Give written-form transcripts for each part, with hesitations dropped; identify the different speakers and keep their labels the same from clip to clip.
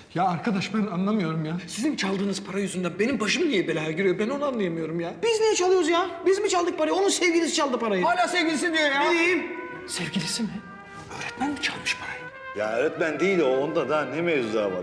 Speaker 1: Ya arkadaş ben anlamıyorum ya.
Speaker 2: Sizin çaldığınız para yüzünden benim başım niye belaya giriyor? Ben onu anlayamıyorum ya.
Speaker 3: Biz niye çalıyoruz ya? Biz mi çaldık parayı? Onun sevgilisi çaldı parayı.
Speaker 2: Hala sevgilisi diyor ya.
Speaker 3: Ne diyeyim?
Speaker 2: Sevgilisi mi? Öğretmen mi çalmış parayı?
Speaker 4: Ya öğretmen değil o. Onda daha ne mevzular var?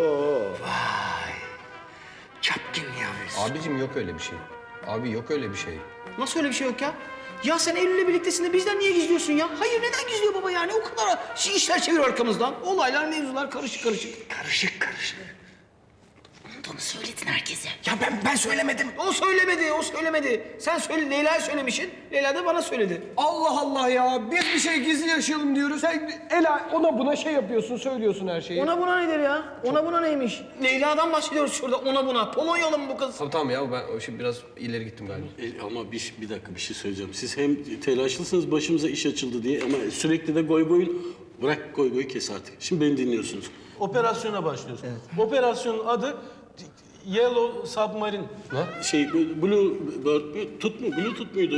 Speaker 2: Çapkın ya.
Speaker 5: Abicim yok öyle bir şey. Abi yok öyle bir şey.
Speaker 3: Nasıl öyle bir şey yok ya? Ya sen Eylül'le birliktesin de bizden niye gizliyorsun ya? Hayır neden gizliyor baba yani? O kadar işler çeviriyor arkamızdan. Olaylar, mevzular karışık karışık.
Speaker 2: Karışık karışık.
Speaker 3: Onu söyledin herkese.
Speaker 2: Ya ben söylemedim.
Speaker 3: O söylemedi, o söylemedi. Sen söyle, Leyla'ya söylemişsin. Leyla da bana söyledi.
Speaker 1: Allah Allah ya. Biz bir şey gizli yaşayalım diyoruz. Sen Ela ona buna şey yapıyorsun, söylüyorsun her şeyi.
Speaker 3: Ona buna nedir ya? Ona buna neymiş? Leyla'dan bahsediyoruz şurada, ona buna. Polonyalı mı bu kız?
Speaker 5: Tamam ya ben o şimdi biraz ileri gittim galiba.
Speaker 6: Ama bir dakika bir şey söyleyeceğim. Siz hem telaşlısınız başımıza iş açıldı diye ama sürekli de goy goyun... Bırak goy goyu kes artık. Şimdi beni dinliyorsunuz. Operasyona başlıyoruz. Operasyonun adı Yellow Submarine. Blue Bird mü? Bluetooth muydu?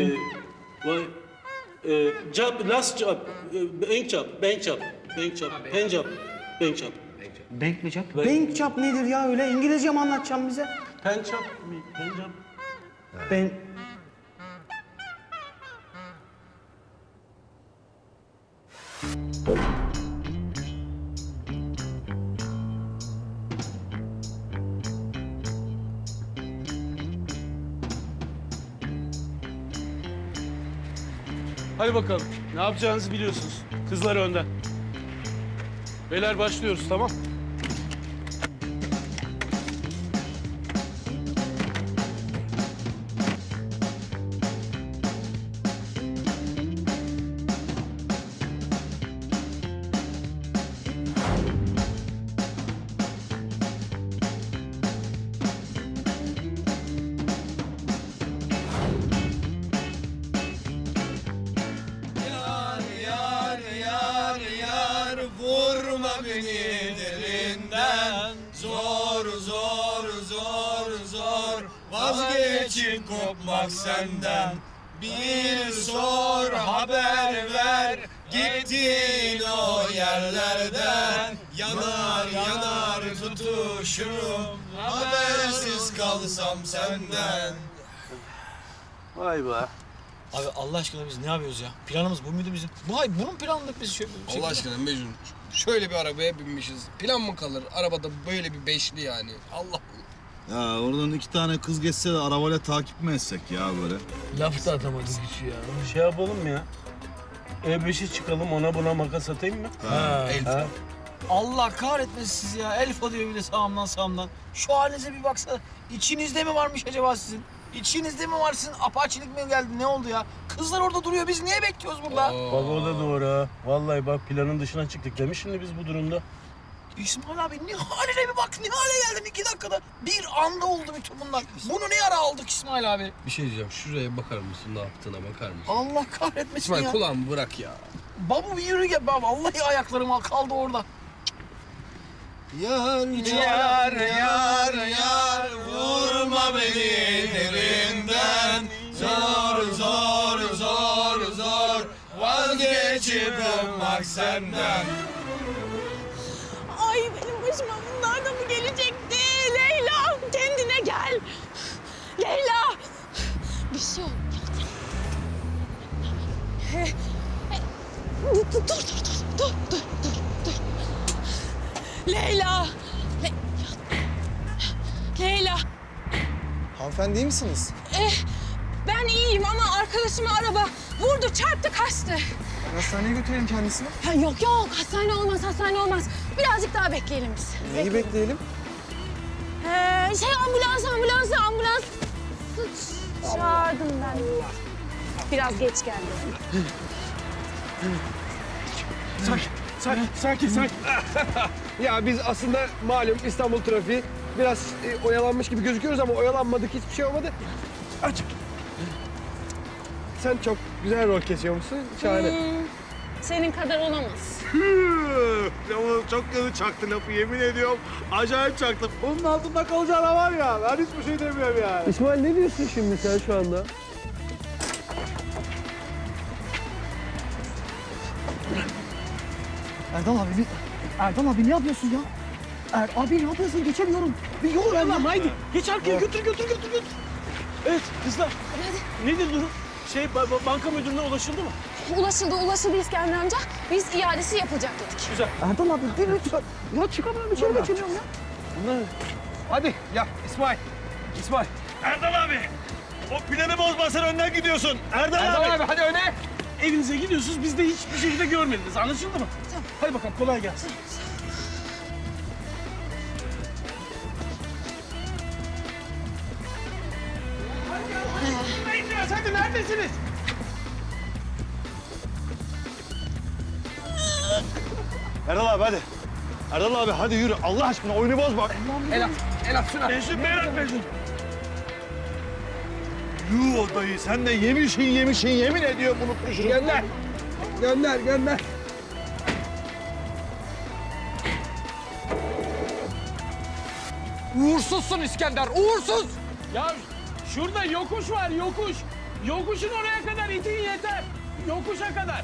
Speaker 6: Job, last job, bank job.
Speaker 3: Bank mi çap? Bank çap nedir ya öyle? İngilizce mi anlatacağım bize?
Speaker 6: Pençap.
Speaker 3: Ben...
Speaker 6: Hadi bakalım. Ne yapacağınızı biliyorsunuz. Kızlar önden. Beyler başlıyoruz, tamam?
Speaker 7: Vurma beni derinden, zor vazgeçip kopmak senden. Bir sor haber ver gittiğin o yerlerden. Yanar tutuşurum habersiz kalsam senden.
Speaker 6: Vay be.
Speaker 3: Abi Allah aşkına biz ne yapıyoruz ya? Planımız bu muydu bizim? Bunun planladık biz şöyle.
Speaker 5: Allah aşkına Mecnun şöyle bir arabaya binmişiz. Plan mı kalır? Arabada böyle bir beşli yani. Allah Allah.
Speaker 4: Ya oradan 2 tane kız geçse de arabayla takip mi etsek ya böyle?
Speaker 3: Laf da atamadık hiç ya.
Speaker 6: Şey yapalım mı ya? E5'e çıkalım, ona buna makas atayım mı?
Speaker 5: Elfa.
Speaker 3: Allah kahretmesin sizi ya. Elfa diyor bir de sağımdan. Şu halinize bir baksana. İçinizde mi varmış acaba sizin? İçinizde mi var sizin? Apaçilik mi geldi? Ne oldu ya? Kızlar orada duruyor. Biz niye bekliyoruz burada?
Speaker 6: Bak o da doğru ha. Vallahi bak planın dışına çıktık demiş şimdi biz bu durumda.
Speaker 3: İsmail abi ne haline bir bak. Ne hale geldin 2 dakikada. Bir anda oldu bütün bunlar. Bunu ne ara aldık İsmail abi?
Speaker 5: Bir şey diyeceğim. Şuraya bakar mısın? Ne yaptığına bakar mısın?
Speaker 3: Allah kahretmesin
Speaker 5: İsmail
Speaker 3: ya.
Speaker 5: kulağımı bırak ya.
Speaker 3: Baba bir yürü gel baba. Vallahi ayaklarım kaldı orada.
Speaker 7: Yar vurma beni derinden. Zor vazgeçip olmak senden.
Speaker 8: Ay benim başıma bunlar da mı gelecekti? Leyla kendine gel. Leyla. Bir şey yok. Dur. Leyla. Leyla.
Speaker 7: Hanımefendi iyi misiniz?
Speaker 8: Ben iyiyim ama arkadaşıma araba vurdu, çarptı, kaçtı.
Speaker 7: Hastaneye götürelim kendisini.
Speaker 8: Ha, yok hastane olmaz. Birazcık daha bekleyelim biz.
Speaker 7: Neyi bekleyelim?
Speaker 8: Ambulans. Çağırdım ben. Biraz geç geldi.
Speaker 1: Sakin. Ya biz aslında malum İstanbul trafiği biraz oyalanmış gibi gözüküyoruz ama oyalanmadık, hiçbir şey olmadı. Aç. Sen çok güzel rol kesiyormuşsun, şahane.
Speaker 8: Senin kadar olamaz.
Speaker 4: Ya çok kötü çaktı lafı yemin ediyorum. Acayip çaktı. Bunun altında kalacağına var ya. Ben hiçbir şey demiyorum yani.
Speaker 1: İsmail ne diyorsun şimdi sen şu anda?
Speaker 3: Erdal abi ne yapıyorsun ya? Abi ne yapıyorsun? Geçemiyorum. Bir yol ver lan haydi. Geç arkaya götür.
Speaker 6: Evet kızlar. Nedir durum? Banka müdürüne ulaşıldı mı?
Speaker 8: Ulaşıldı İskender amca. Biz iadesi yapılacak dedik.
Speaker 3: Erdal abi bir lütfen. Ya çıkamıyorum içeri geçemiyorum ya.
Speaker 1: Hadi ya İsmail. İsmail.
Speaker 4: Erdal abi. O planı bozma, sen önden gidiyorsun. Erdal abi.
Speaker 1: hadi öne.
Speaker 6: Evinize gidiyorsunuz, biz de hiçbir şekilde görmediniz. Anlaşıldı mı? Tamam. Hadi bakalım, kolay gelsin.
Speaker 3: Hadi neredesiniz?
Speaker 4: Erdal abi hadi. Erdal abi hadi yürü. Allah aşkına oyunu bozma.
Speaker 1: El at şuna.
Speaker 4: Mecnun. Yuh o dayı, sen de yemişin yemin ediyorum unutmuşsun.
Speaker 1: Gönder.
Speaker 2: Uğursuzsun İskender, uğursuz!
Speaker 6: Ya şurada yokuş var, yokuş. Yokuşun oraya kadar itin yeter. Yokuşa kadar.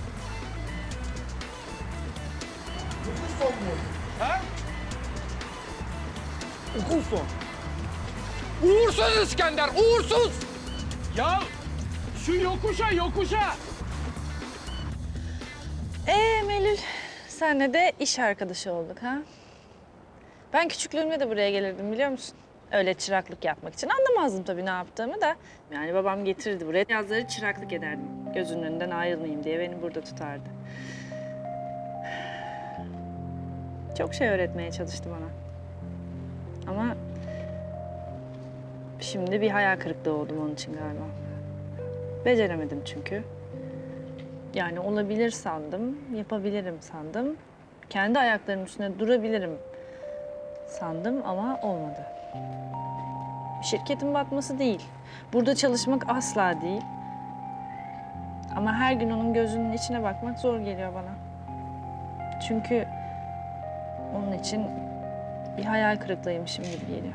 Speaker 2: Uğursuz İskender, uğursuz!
Speaker 6: Ya şu yokuşa.
Speaker 9: Melül, senle de iş arkadaşı olduk ha? Ben küçüklüğümde de buraya gelirdim biliyor musun? Öyle çıraklık yapmak için. Anlamazdım tabii ne yaptığımı da. Yani babam getirirdi buraya. Yazları çıraklık ederdim. Gözünün önünden ayrılmayayım diye beni burada tutardı. Çok şey öğretmeye çalıştı bana. Ama şimdi bir hayal kırıklığı oldum onun için galiba. Beceremedim çünkü. Yani olabilir sandım, yapabilirim sandım. Kendi ayaklarımın üstüne durabilirim sandım ama olmadı. Şirketin batması değil. Burada çalışmak asla değil. Ama her gün onun gözünün içine bakmak zor geliyor bana. Çünkü onun için bir hayal kırıklığıymışım gibi geliyor.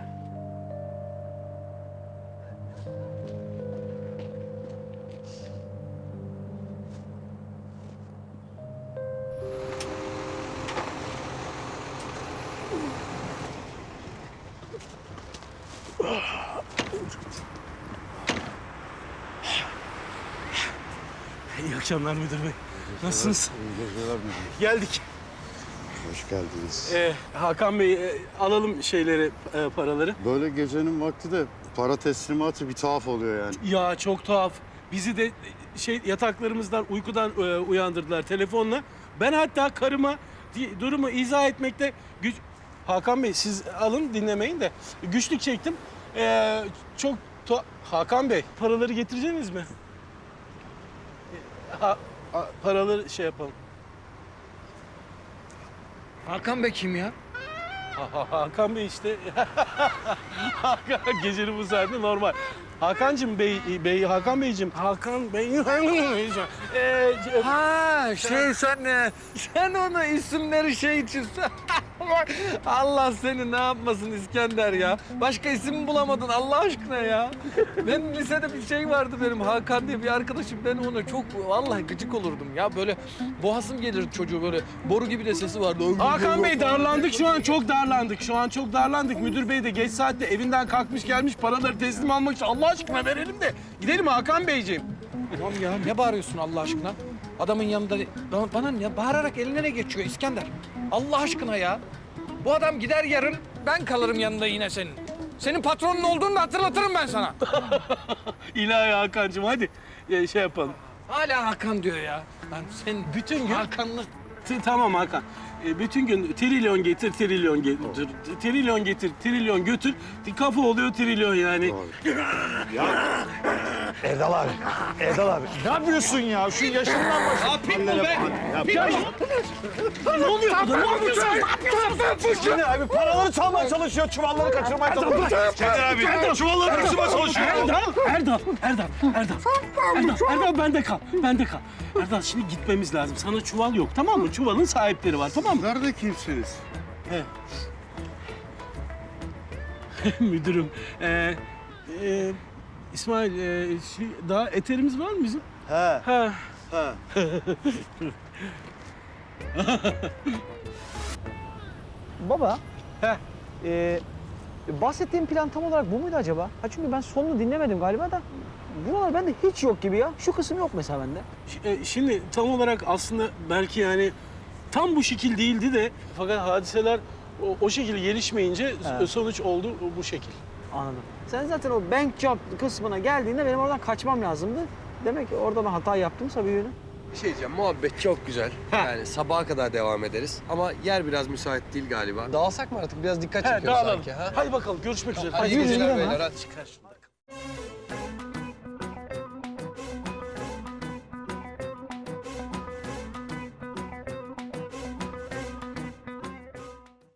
Speaker 6: İyi akşamlar müdür bey. Nasılsınız? Geldik.
Speaker 10: Hoş geldiniz.
Speaker 6: Hakan Bey, alalım şeyleri, paraları.
Speaker 10: Böyle gecenin vakti de para teslimatı bir tuhaf oluyor yani.
Speaker 6: Ya çok tuhaf. Bizi de yataklarımızdan, uykudan uyandırdılar telefonla. Ben hatta karıma durumu izah etmekte güç... Hakan Bey siz alın dinlemeyin de güçlük çektim. Hakan Bey paraları getireceksiniz mi? Paraları şey yapalım.
Speaker 2: Hakan Bey kim ya?
Speaker 6: Hakan Bey işte. Gecenin bu saatte normal. Hakan Bey.
Speaker 2: Ha sen ona isimleri şey için Allah seni ne yapmasın İskender ya. Başka isim bulamadın Allah aşkına ya. Ben lisede bir şey vardı benim Hakan diye bir arkadaşım. Ben ona çok vallahi gıcık olurdum ya. Böyle boğazım gelirdi çocuğu böyle. Boru gibi de sesi vardı.
Speaker 6: Hakan Bey darlandık şu an çok darlandık. Müdür Bey de geç saatte evinden kalkmış gelmiş paraları teslim almak için Allah aşkına verelim de gidelim Hakan Beyciğim.
Speaker 2: Tamam ya ne bağırıyorsun Allah aşkına? Adamın yanında bana ne bağırarak eline ne geçiyor İskender? Allah aşkına ya. Bu adam gider yarın ben kalırım yanında yine senin. Senin patronun olduğunu da hatırlatırım ben sana.
Speaker 6: İlahi Hakan'cığım hadi şey yapalım.
Speaker 2: Hala Hakan diyor ya. Lan sen
Speaker 6: Bütün gün...
Speaker 2: Hakan'lı...
Speaker 6: Tamam Hakan. Bütün gün trilyon getir, trilyon getir, trilyon getir, trilyon götür. Kafa oluyor trilyon yani.
Speaker 4: Erdal abi. Ne yapıyorsun ya? Şu yaşından başla. Ne yapayım bu be?
Speaker 6: Ne oluyor burada? Ne yapıyorsun?
Speaker 4: Şimdi abi paraları çalmaya çalışıyor, çuvalları kaçırmaya çalışıyor. Çetin abi, çuvalları kaçırmaya çalışıyor.
Speaker 6: Erdal bende kal. Erdal şimdi gitmemiz lazım. Sana çuval yok tamam mı? Çuvalın sahipleri var tamam mı?
Speaker 10: Nerede kimsiniz?
Speaker 6: Müdürüm. İsmail daha eterimiz var mı bizim?
Speaker 10: He.
Speaker 3: Baba, Bahsettiğim plan tam olarak bu muydu acaba? Ha çünkü ben sonunu dinlemedim galiba da. Buralar bende hiç yok gibi ya. Şu kısım yok mesela bende.
Speaker 6: Şimdi tam olarak aslında belki yani tam bu şekil değildi de fakat hadiseler o şekil gelişmeyince
Speaker 3: Evet.
Speaker 6: sonuç oldu bu şekil.
Speaker 3: Anladım. Sen zaten o bank job kısmına geldiğinde benim oradan kaçmam lazımdı. Demek ki orada ben hata yaptımsa bir yönü.
Speaker 11: Bir şey diyeceğim, muhabbet çok güzel. Yani sabaha kadar devam ederiz. Ama yer biraz müsait değil galiba. Dağılsak mı artık? Biraz dikkat çekiyoruz
Speaker 6: Dağılalım.
Speaker 11: sanki. Ha?
Speaker 6: Hadi bakalım görüşmek üzere.
Speaker 11: Hadi iyi
Speaker 3: yürü,
Speaker 11: geceler
Speaker 3: yürü,
Speaker 11: beyler.
Speaker 3: ha.
Speaker 11: Hadi.
Speaker 6: Çıkar şunu da.